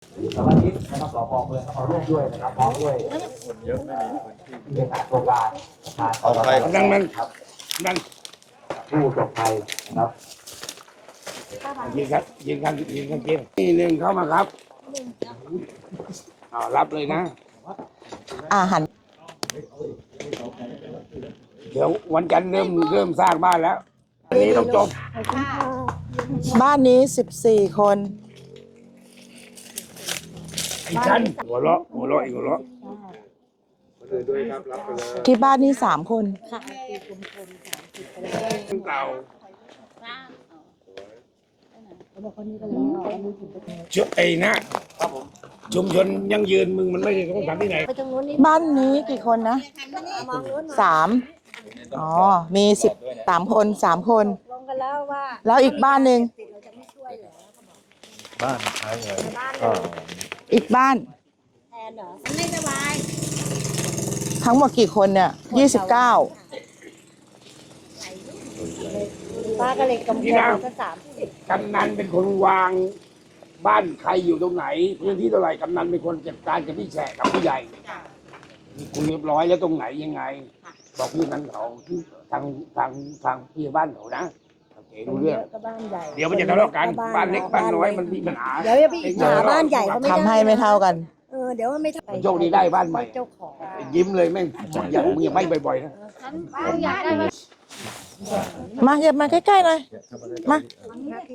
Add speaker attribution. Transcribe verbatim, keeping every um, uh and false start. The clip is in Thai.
Speaker 1: สมาชิกนะครับสปเมืองเขาร่วมด้วยนะครับพร้อมด้วยเยอะไม่มีพื้นที่โครงการเอาไปนั่งนั่งครับนั่งผู้ประสบภัยนะครับยิงครับยิงกันยิงกันเกมนี่หนึ่งเข้ามาครับเอารับเลยนะ
Speaker 2: อาหาร
Speaker 1: เดี๋ยววันจันทร์เริ่มเริ่มสร้างบ้านแล้วอันนี้ต้องจบ
Speaker 2: บ้านนี้สิบสี่คน
Speaker 1: อีกชั้นหัวเราะหัวเราะอีกหัวเราะ
Speaker 2: ที่บ้านนี้สามคน
Speaker 1: เก่าชุดไอ้นะชุมชนยังยืนมึงมันไม่ได้ต้องทำที่ไหน
Speaker 2: บ้านนี้กี่คนนะสามอ๋อมีสิบสามคนสามคนแล้วอีกบ้านหนึ่ง
Speaker 3: บ้านใช่เลย
Speaker 2: อีกบ้าน
Speaker 4: แทนเหรอไม่สบาย
Speaker 2: ทั้งหมดกี่คนเนี่ยยี่สิบเก้า
Speaker 4: ป้าก็เลยกำลังก็สามสิบ
Speaker 1: กำนันเป็นคนวางบ้านใครอยู่ตรงไหนพื้นที่เท่าไหร่กำนันเป็นคนจัดการกับพี่แฉะกับผู้ใหญ่คุยเรียบร้อยแล้วตรงไหนยังไงบอกพี่นั้นเขาทางทางทางพี่บ้านเขานะโอเครู้เรื่องเดี๋ยวมันจะทะเลาะกันบ้านเล็กบ้านน้อยมันมีปัญหา
Speaker 4: เดี๋ยวพี่หาบ้านใหญ่เขาไม่ได้
Speaker 2: ทำให้ไม่เท่ากัน
Speaker 4: เออเดี๋ยวมันไม่
Speaker 1: โชคดีได้บ้านใหม่
Speaker 4: เจ้าของ
Speaker 1: ยิ้มเลยแม่งอยากมึงอย่าไม่บ่อยๆนะ
Speaker 2: มาเย็บมาใกล้ๆหน่อยมา